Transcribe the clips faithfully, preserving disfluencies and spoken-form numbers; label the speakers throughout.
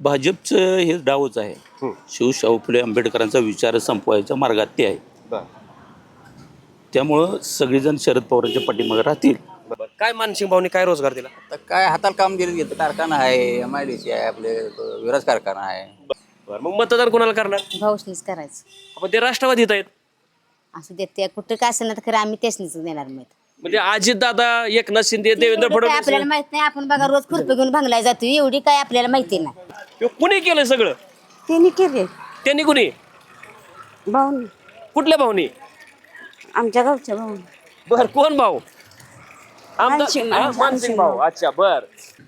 Speaker 1: भाजपचं हे डावच आहे.
Speaker 2: हं.
Speaker 1: शिवशाहू फुले आंबेडकरांचा विचार संपवायच्या मार्गात ते आहे.
Speaker 2: बर
Speaker 1: त्यामुळं सगळेजण शरद पवारांच्या पाठीमागे राहतील.
Speaker 2: बर काय मानसिंग भाऊनी काय रोजगार दिला?
Speaker 3: तर काय हाताला काम दिलं घेतं कारखाना आहे एम आय डी सी आहे आपले विराज कारखाना आहे.
Speaker 2: बर मग मतदान कोणाला करणार?
Speaker 4: भाऊसनीच करायचं.
Speaker 2: आपण ते राष्ट्रवादीत आहेत.
Speaker 4: असं देत ते कुठं काय असेल ना तर खरं आम्ही तेच देणार माहित
Speaker 2: म्हणजे अजित दादा, एकनाथ शिंदे, देवेंद्र
Speaker 4: एवढं काय
Speaker 2: फडणवीस
Speaker 4: आपल्याला माहित नाही. आपण बघा रोज खुरपी घेऊन भांगलाय जातो एवढी काय आपल्याला माहिती नाही.
Speaker 2: हे कुणी केलं सगळं?
Speaker 5: त्यांनी केले
Speaker 2: त्यांनी कुणी?
Speaker 5: भाऊ
Speaker 2: कुठल्या भाऊनी?
Speaker 5: आमच्या गावच्या भाऊ
Speaker 2: बर कोण भाऊ? आमदार-
Speaker 5: मानसिंग-
Speaker 2: हा,
Speaker 5: मानसिंग
Speaker 2: मानसिंग भाऊ. अच्छा बर.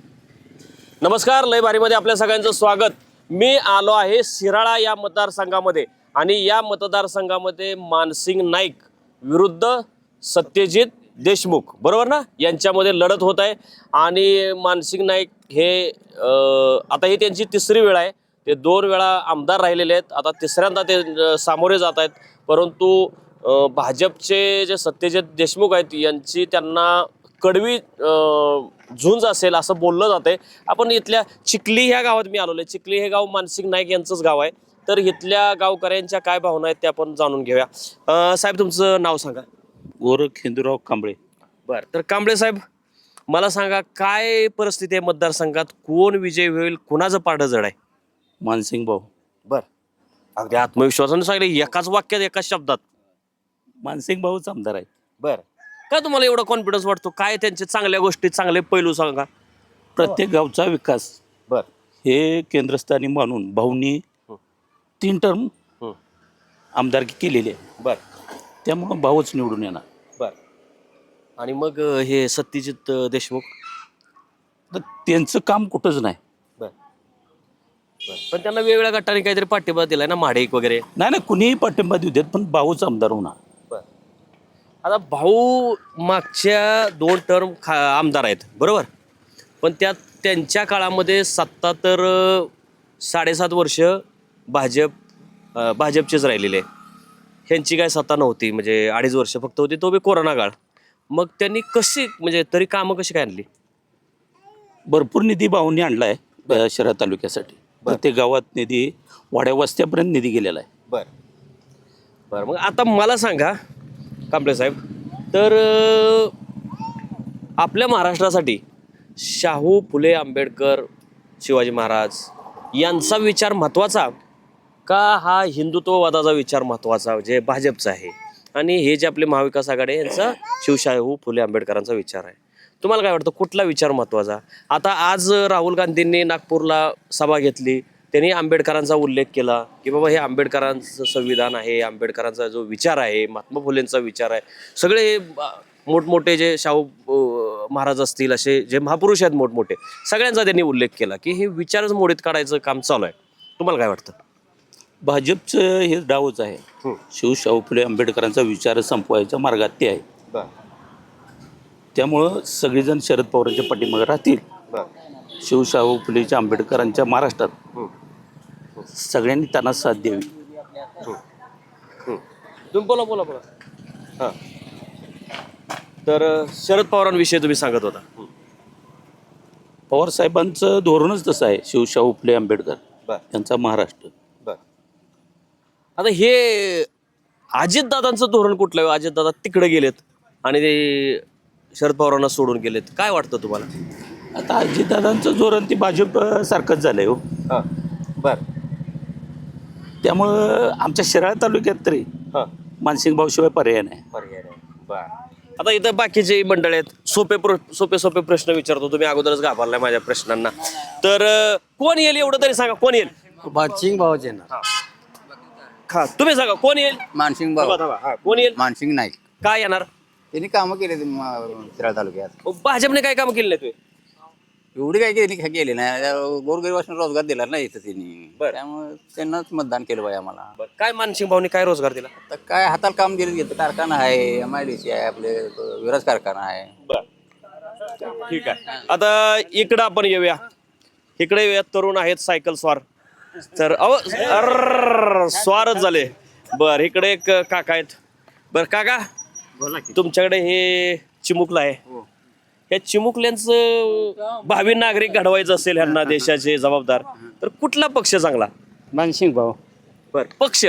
Speaker 2: नमस्कार, लय भारीमध्ये आपल्या सगळ्यांचं स्वागत. मी आलो आहे शिराळा या मतदारसंघामध्ये आणि या मतदारसंघामध्ये मानसिंग नाईक विरुद्ध सत्यजित देशमुख, बरोबर ना, यांच्यामध्ये लढत होत आहे. आणि मानसिंग नाईक हे अं, आता ही त्यांची तिसरी वेळ आहे. ते दोन वेळा आमदार राहिलेले आहेत. आता तिसऱ्यांदा ते अं, सामोरे जात आहेत. परंतु अं, भाजपचे जे सत्यजित देशमुख आहेत यांची त्यांना कडवी अं, झुंज असेल असं बोललं जाते. आपण इथल्या चिखली ह्या गावात मी आलेलो आहे. चिखली हे गाव मानसिंग नाईक यांचंच गाव आहे. तर इथल्या गावकऱ्यांच्या काय भावना आहेत त्या आपण जाणून घेऊया. अं, साहेब तुमचं नाव सांगा.
Speaker 1: गोरख हिंदूराव कांबळे.
Speaker 2: बर, तर कांबळे साहेब मला सांगा काय परिस्थिती आहे मतदारसंघात? कोण विजय होईल? कुणाचं पारडं जड आहे?
Speaker 1: मानसिंग भाऊ.
Speaker 2: बर, अगदी आत्मविश्वासाने सांगितलं एकाच वाक्यात एकाच शब्दात.
Speaker 1: मानसिंग भाऊच आमदार आहेत.
Speaker 2: बर, काय तुम्हाला एवढा कॉन्फिडन्स वाटतो? काय त्यांचे चांगल्या गोष्टी, चांगले पैलू सांगा.
Speaker 1: प्रत्येक गावचा विकास
Speaker 2: बर
Speaker 1: हे केंद्रस्थानी मानून भाऊनी तीन टर्म
Speaker 2: हं.
Speaker 1: आमदारकी केलेली आहे.
Speaker 2: बर
Speaker 1: त्यामुळं भाऊच निवडून येणार.
Speaker 2: बर आणि मग अं, हे सत्यजित अं, देशमुख.
Speaker 1: तर त्यांचं काम कुठंच नाही.
Speaker 2: बर बर पण त्यांना वेगवेगळ्या गटाने काहीतरी पाठिंबा दिलाय ना, महाडेक वगैरे.
Speaker 1: नाही नाही कुणीही पाठिंबा देऊ देत पण भाऊच आमदार होणार.
Speaker 2: बर, आता भाऊ मागच्या दोन टर्म खा आमदार आहेत, बरोबर, पण त्यात त्यांच्या काळामध्ये सत्ता तर अं, साडेसात वर्ष भाजप अं, भाजपचेच राहिलेले. ह्यांची काय सत्ता नव्हती, म्हणजे अडीच वर्ष फक्त होती, तो बी कोरोना काळ. मग त्यांनी कशी, म्हणजे तरी कामं कशी काय आणली?
Speaker 1: भरपूर निधी भाऊंनी आणलाय अ, शहर तालुक्यासाठी. प्रत्येक गावात निधी, वाड्या वस्त्यापर्यंत निधी गेलेला आहे.
Speaker 2: बर बर मग आता मला सांगा कांबळे साहेब, तर अं, आपल्या महाराष्ट्रासाठी शाहू फुले आंबेडकर, शिवाजी महाराज यांचा विचार महत्त्वाचा का हा हिंदुत्ववादाचा विचार महत्त्वाचा जे भाजपचा आहे, आणि हे जे आपले महाविकास आघाडी आहे यांचा शिवशाहू फुले आंबेडकरांचा विचार आहे? तुम्हाला काय वाटतं, कुठला विचार महत्त्वाचा? आता आज राहुल गांधींनी नागपूरला सभा घेतली, त्यांनी आंबेडकरांचा उल्लेख केला की बाबा हे आंबेडकरांचं संविधान आहे, आंबेडकरांचा जो विचार आहे, महात्मा फुलेंचा विचार आहे. सगळे हे मोठमोठे जे शाहू अं, महाराज असतील, असे जे महापुरुष आहेत मोठमोठे, सगळ्यांचा त्यांनी उल्लेख केला की हे विचारच मोडीत काढायचं काम चालू आहे. तुम्हाला काय वाटतं?
Speaker 1: भाजपचं हे डावच आहे.
Speaker 2: हं.
Speaker 1: शिवशाहू फुले आंबेडकरांचा विचार संपवायच्या मार्गात ते आहे.
Speaker 2: बर
Speaker 1: त्यामुळं सगळेजण शरद पवारांच्या पाठीमागे राहतील.
Speaker 2: बर
Speaker 1: शिवशाहू फुलेच्या आंबेडकरांच्या महाराष्ट्रात सगळ्यांनी त्यांना साथ द्यावी.
Speaker 2: तुम्ही बोला बोला बोला हां. तर अं, शरद पवारांविषयी तुम्ही सांगत होता.
Speaker 1: पवार साहेबांचं धोरणच तसं आहे. शिवशाहू फुले आंबेडकर
Speaker 2: बर
Speaker 1: यांचा महाराष्ट्र.
Speaker 2: बर आता हे अजितदादांचं धोरण कुठलं आहे? अजितदादा तिकडे गेलेत आणि ते शरद पवारांना सोडून गेलेत. काय वाटतं तुम्हाला?
Speaker 1: आता अजितदादांचं धोरण ते भाजप सारखंच झालंय हो.
Speaker 2: हां बर
Speaker 1: त्यामुळं आमच्या शिराळा तालुक्यात तरी
Speaker 2: हां
Speaker 1: मानसिंग भाऊशिवाय पर्याय नाही.
Speaker 2: पर्याय नाही. बर आता इथं बाकीचे मंडळ आहेत, सोपे प्र सोपे सोपे प्रश्न विचारतो. तुम्ही अगोदरच घाबरलाय माझ्या प्रश्नांना. तर अं, कोण येईल एवढं तरी सांगा, कोण येईल?
Speaker 3: मानसिंग भाऊचे ना
Speaker 2: हा तुम्ही सांगा कोण येईल?
Speaker 3: मानसिंग
Speaker 2: थांबा,
Speaker 3: भाऊ
Speaker 2: थांबा. हा, कोण येईल?
Speaker 3: मानसिंग नाईक
Speaker 2: काय येणार?
Speaker 3: त्यांनी कामं केले शिराळा तालुक्यात.
Speaker 2: मग भाजपने काय काम केलं नाही तुम्ही?
Speaker 3: एवढी काही केली केली नाही. गोरगरिबांना रोजगार दिला नाही इथं त्यांनी,
Speaker 2: बरं.
Speaker 3: त्यामुळे त्यांनाच मतदान केलं पाहिजे आम्हाला.
Speaker 2: काय मानसिंग भाऊनी काय रोजगार दिला?
Speaker 3: तर काय हाताला काम दिलं घेतं कारखाना आहे एम आय डी सी आहे आपले विराज कारखाना आहे.
Speaker 2: बर ठीक आहे. आता इकडं आपण येऊया. इकडे येऊया, तरुण आहेत सायकल स्वार. तर अहो अर्र, स्वारच झाले. बर इकडे एक काका आहेत. बर काका,
Speaker 3: बोला की.
Speaker 2: तुमच्याकडे हे चिमुकला आहे, या चिमुकल्यांचं भावी नागरिक घडवायचं असेल ह्यांना देशाचे जबाबदार, तर कुठला पक्ष चांगला?
Speaker 6: मानसिंग भाऊ.
Speaker 2: बर पक्ष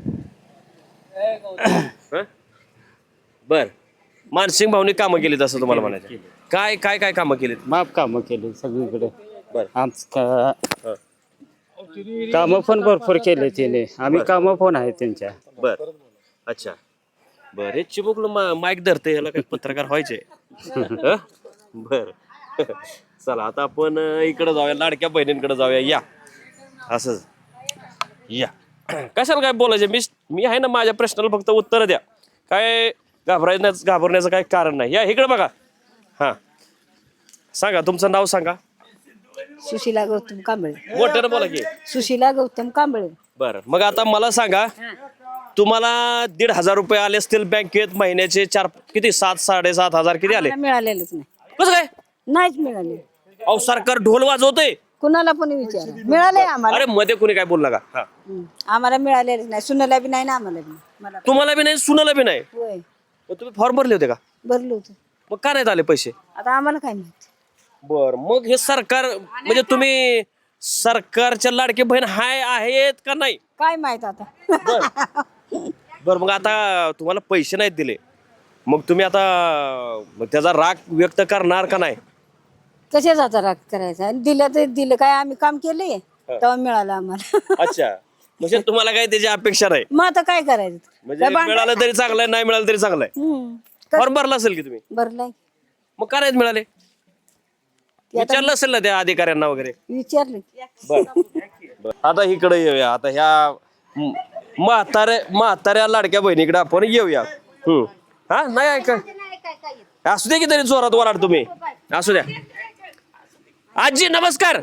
Speaker 2: हं? बर मानसिंग भाऊनी कामं केलीत असं तुम्हाला म्हणायचं? काय काय काय कामं केलीत?
Speaker 6: माफ कामं केली सगळीकडे.
Speaker 2: बर
Speaker 6: आमचं
Speaker 2: हं.
Speaker 6: कामं पण भरपूर केले त्याने. आम्ही कामं पण आहे त्यांच्या.
Speaker 2: बर अच्छा बर हे चिमुकलं मा माईक धरते ह्याला काही पत्रकार व्हायचे हं? बर चला आता आपण अं, इकडे जाऊया, लाडक्या बहिणींकडे जाऊया. या असंच या. कशाला काय बोलायचं, मी मी आहे ना, माझ्या प्रश्नाला फक्त उत्तर द्या. काय घाबरायचं घाबरण्याचं काय कारण नाही. या इकडे बघा. हां सांगा तुमचं नाव सांगा.
Speaker 5: सुशीला गौतम कांबळे.
Speaker 2: मोठ्यानं बोला की.
Speaker 5: सुशीला गौतम कांबळे.
Speaker 2: बरं मग आता मला सांगा, तुम्हाला दीड हजार रुपये आले असतील बँकेत महिन्याचे, चार किती सात साडेसात हजार किती आले?
Speaker 5: आम्हाला मिळालेलंच नाही.
Speaker 2: कसं काय?
Speaker 5: नाहीच मिळाले.
Speaker 2: अहो सरकार ढोल वाजवतंय.
Speaker 5: कुणाला पण विचार मिळाले आम्हाला.
Speaker 2: अरे मध्ये कोणी काय बोलला का? हा.
Speaker 5: हं. आम्हाला मिळालेलंच नाही. सुनाला बी नाही ना आम्हाला बी. मला
Speaker 2: तुम्हाला बी नाही, सुनाला बी नाही.
Speaker 5: होय
Speaker 2: मग तुम्ही फॉर्म भरले होते का?
Speaker 5: भरलो होतं.
Speaker 2: मग का नाही आले पैसे?
Speaker 5: आता आम्हाला काय माहिती.
Speaker 2: बर मग हे सरकार म्हणजे तुम्ही सरकारच्या लाडके बहीण हाय आहेत का नाही?
Speaker 5: काय माहित आता.
Speaker 2: बर बर मग आता तुम्हाला पैसे नाहीत दिले, मग तुम्ही आता मग त्याचा राग व्यक्त करणार का नाही?
Speaker 5: कशाच आता राग करायचा. आणि दिलं तर दिलं, काय आम्ही काम केले तेव्हा मिळालं आम्हाला.
Speaker 2: अच्छा म्हणजे तुम्हाला काही त्याची अपेक्षा नाही.
Speaker 5: मग आता काय करायचं.
Speaker 2: म्हणजे मिळालं तरी चांगलंय, नाही मिळालं तरी चांगलंय.
Speaker 5: हं.
Speaker 2: फॉर्म भरला असेल की तुम्ही?
Speaker 5: भरलाय.
Speaker 2: मग का नाहीत मिळाले? विचारलं असेल ना त्या अधिकाऱ्यांना वगैरे?
Speaker 5: विचारलं.
Speaker 2: बर आता इकडे येऊया. आता ह्या म- म्हाताऱ्या म्हाताऱ्या लाडक्या बहिणीकडे आपण येऊया. हम्म हा नाही ऐका, असू दे की तरी जोरात वराड तुम्ही. असू द्या. आजी नमस्कार.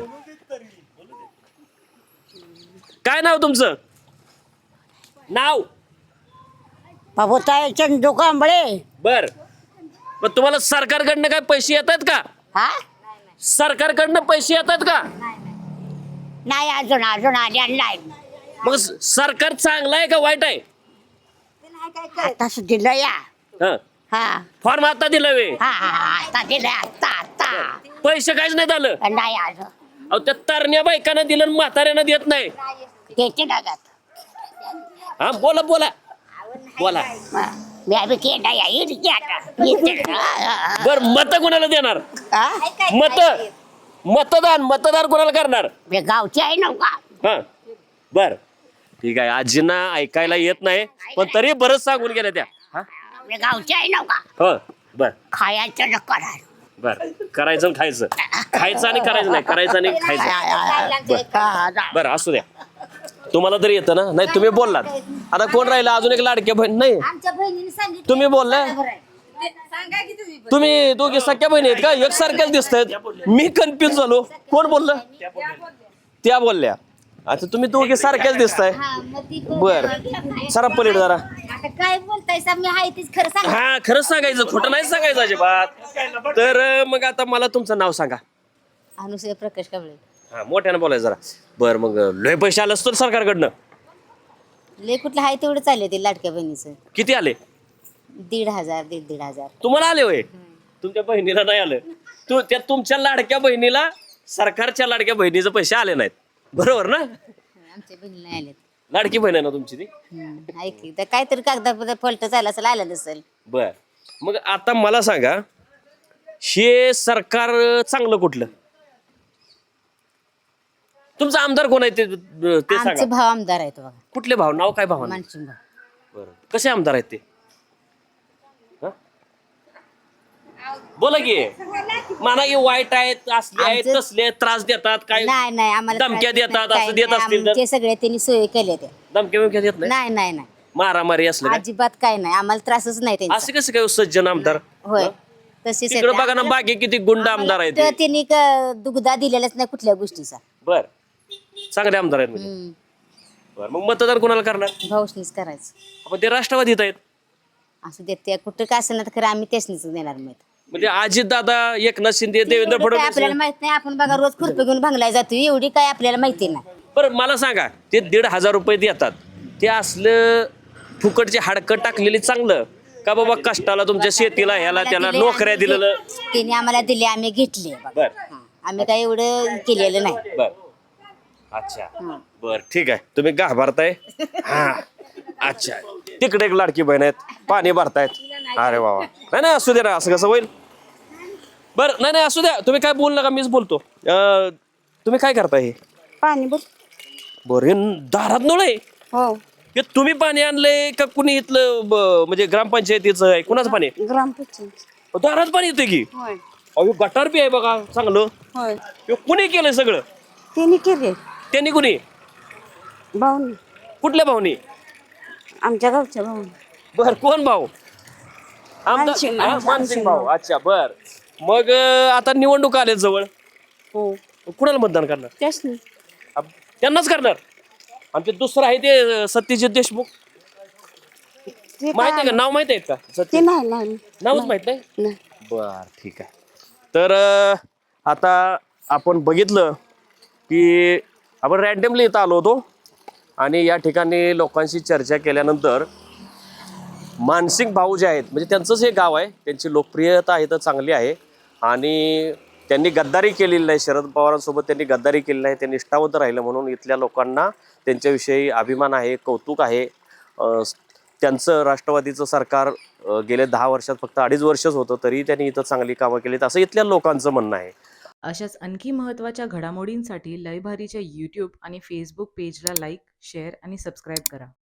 Speaker 2: काय नाव तुमचं? नाव?
Speaker 4: बाबूताई चंदू कांबळे.
Speaker 2: बर मग तुम्हाला सरकारकडनं काय पैसे येत आहेत का?
Speaker 4: हा
Speaker 2: सरकारकडनं पैसे येत आहेत का?
Speaker 4: नाही अजून अजून आलेला नाही.
Speaker 2: मग स- सरकार चांगलं आहे का वाईट आहे?
Speaker 4: आता दिलं या.
Speaker 2: हा
Speaker 4: हा
Speaker 2: फॉर्म आता दिलं वे,
Speaker 4: हा हा, आता दिलं आता आता.
Speaker 2: पैसे काहीच नाही झालं.
Speaker 4: नाही अजून
Speaker 2: अहो त्या तरण्या बायकांना दिलं आणि म्हाताऱ्यांना देत नाही.
Speaker 4: देते डागात.
Speaker 2: हा बोला बोला बोला.
Speaker 4: मी आम्ही केला या येईल की आता. येते.
Speaker 2: बर मत कोणाला देणार?
Speaker 4: हा?
Speaker 2: मत मतदान मतदान कोणाला करणार?
Speaker 4: मी गावची आहे नव्हता.
Speaker 2: हा बर ठीक आहे. आजींना ऐकायला येत नाही पण तरी बरंच सांगून गेल्या त्या. हा
Speaker 4: मी गावची आहे नव्हता.
Speaker 2: हो बर
Speaker 4: खायचं न करायचं.
Speaker 2: बर करायचं आणि खायचं, खायचं आणि करायचं नाही, करायचं आणि खायचं. बर असू द्या. तुम्हाला तरी येतं ना? नाही तुम्ही बोललात. आता कोण राहिला अजून एक लाडक्या बहीण? नाही
Speaker 4: आमच्या बहिणीने सांगितलं.
Speaker 2: तुम्ही बोललाय. तुम्ही दोघे सख्या बहिणी आहेत का? एकसारख्याच दिसत आहेत. मी कन्फ्युज झालो. कोण बोललं? त्या बोलल्या. आता तुम्ही दोघे सारख्याच दिसताय.
Speaker 4: हा, मग ती कोण-
Speaker 2: बर सरा पलीड जरा.
Speaker 4: आता काय बोलताय सा? मी आहे तीच खरं सांग.
Speaker 2: हा खरंच सांगायचं, खोटं नाही सांगायचं अजिबात. तर मग आता मला तुमचं नाव सांगा.
Speaker 4: अनुसया प्रकाश कांबळे.
Speaker 2: हा मोठ्यानं बोलायचं जरा. बर मग लय पैसे आले असतो सरकारकडनं?
Speaker 4: लय कुठलं आहे तेवढं चालले ते लाडक्या बहिणीचं.
Speaker 2: किती आले?
Speaker 4: दीड हजार दीड दीड हजार.
Speaker 2: तुम्हाला आले होय? तुमच्या बहिणीला नाही आलं. तू त्या तुमच्या लाडक्या बहिणीला सरकारच्या लाडक्या बहिणीचे पैसे आले नाहीत, बरोबर ना?
Speaker 4: आमच्या बहिणीला नाही आलेत.
Speaker 2: लाडकी बहीण आहे ना तुमची ती?
Speaker 4: हम्म, ऐकली तर काहीतरी कागदापत्र फलट झालं असेल, आलं नसेल.
Speaker 2: बर मग आता मला सांगा, हे सरकार चांगलं कुठलं? तुमचा आमदार कोण आहे ते ते
Speaker 4: आमचे
Speaker 2: सांगा.
Speaker 4: भाव आमदार आहेत बघा.
Speaker 2: कुठले भाव? नाव काय भाव?
Speaker 4: मानसिंग भाव.
Speaker 2: बरं कसे आमदार आहेत ते? हं? बोला की. म्हणा की वाईट आहेत, असले आहेत,
Speaker 4: आमचं-
Speaker 2: तसले आहेत, त्रास देतात, काय
Speaker 4: नाही नाही आम्हाला
Speaker 2: धमक्या
Speaker 4: त्रास
Speaker 2: देतात,
Speaker 4: नाही,
Speaker 2: असं देत
Speaker 4: काही
Speaker 2: असतील
Speaker 4: नाही.
Speaker 2: तर?
Speaker 4: ते सगळे त्यांनी सोय केल्या त्या.
Speaker 2: धमक्या बिमक्या देत नाही?
Speaker 4: नाही नाही नाही
Speaker 2: मारामारी असलं काय?
Speaker 4: अजिबात काय नाही, आम्हाला त्रासच नाही त्यांचा.
Speaker 2: असं कसं काय सज्जन आमदार?
Speaker 4: होय तशीच
Speaker 2: तिकडे बघा ना बाकी किती गुंड आमदार आहेत ते.
Speaker 4: त्यांनी क- दुग्धा दिलेलाच नाही कुठल्या गोष्टीचा.
Speaker 2: बर चांगले आमदार आहेत म्हणजे.
Speaker 4: हम्म,
Speaker 2: बर मग मतदान कोणाला करणार?
Speaker 4: भाऊशनीच करायचं.
Speaker 2: आपण ते राष्ट्रवादीत आहेत.
Speaker 4: असं देत त्या कुठं काय असं तर खरं आम्ही त्यासनीच देणार माहित.
Speaker 2: म्हणजे अजित दादा, एकनाथ शिंदे, देवेंद्र
Speaker 4: एवढं काय
Speaker 2: फडणवीस.
Speaker 4: आपल्याला माहित नाही, आपण बघा रोज खुरपे घेऊन भांगलाय जातो, एवढी काय आपल्याला माहिती नाही.
Speaker 2: बरं मला सांगा, ते दीड हजार रुपये देतात ते असलं फुकटचे हाडकं टाकलेली चांगलं का बाबा कष्टाला तुमच्या शेतीला ह्याला त्याला
Speaker 4: दिले,
Speaker 2: नोकऱ्या
Speaker 4: आम्ही
Speaker 2: दिलेलं
Speaker 4: घे- तिने आम्हाला दिले आम्ही घेतले बघा.
Speaker 2: बर
Speaker 4: हा. आम्ही काही एवढं केलेलं नाही.
Speaker 2: बर अच्छा बर ठीक आहे तुम्ही घाबरताय हा अच्छा तिकडे एक लाडकी बहीण आहेत पाणी भरतायत अरे वा वा. नाही नाही असू दे ना असं कसं होईल बर नाही नाही असू द्या तुम्ही काय बोल नका मीच बोलतो अं, तुम्ही काय करताय हे
Speaker 5: पाणी बघ.
Speaker 2: बरं हे दारात नळ आहे
Speaker 5: हो
Speaker 2: हे तुम्ही पाणी आणलंय का कुणी इथलं ब- म्हणजे ग्रामपंचायतीचं आहे कुणाचं पाणी आहे?
Speaker 5: ग्रामपंचायत.
Speaker 2: दारात पाणी येते की
Speaker 5: होय
Speaker 2: अहो गटार बी आहे बघा चांगलं
Speaker 5: होय
Speaker 2: हे कुणी केलंय सगळं
Speaker 5: तिने केले
Speaker 2: त्यांनी कुणी
Speaker 5: भाऊनी
Speaker 2: कुठल्या भाऊनी
Speaker 5: आमच्या गावच्या भाऊनी.
Speaker 2: बर कोण भाऊ आमदार-
Speaker 5: मानसिंग-
Speaker 2: हा,
Speaker 5: मानसिंग
Speaker 2: मानसिंग भाऊ अच्छा बर मग अं, आता निवडणूक आले जवळ
Speaker 5: हो
Speaker 2: कुणाला मतदान करणार
Speaker 5: त्याच नाही.
Speaker 2: आप- त्यांनाच करणार आणि ते दुसरं आहे ते अं, सत्यजित देशमुख
Speaker 5: ते
Speaker 2: माहित आहे
Speaker 5: काय-
Speaker 2: का नाव माहित आहे का
Speaker 5: ते
Speaker 2: सत्य
Speaker 5: नाही नाही
Speaker 2: नावच माहित नाही
Speaker 5: नाही.
Speaker 2: बर ठीक आहे तर अं, आता आपण बघितलं की आपण रॅन्डमली इथं आलो होतो आणि या ठिकाणी लोकांशी चर्चा केल्यानंतर मानसिंग भाऊ जे आहेत म्हणजे त्यांचंच हे गाव आहे त्यांची लोकप्रियता इथं चांगली आहे आणि त्यांनी गद्दारी केलेली नाही शरद पवारांसोबत त्यांनी गद्दारी केली नाही ते निष्ठावंत राहिलं म्हणून इथल्या लोकांना त्यांच्याविषयी अभिमान आहे कौतुक आहे अं, त्यांचं राष्ट्रवादीचं सरकार अं, गेले दहा वर्षात फक्त अडीच वर्षच होतं तरी त्यांनी इथं चांगली कामं केलीत असं इथल्या लोकांचं म्हणणं आहे
Speaker 7: अशाच आणखी महत्त्वाच्या घडामोडींसाठी लयभारीच्या यूट्यूब आणि फेसबुक पेजला लाईक शेअर आणि सबस्क्राईब करा.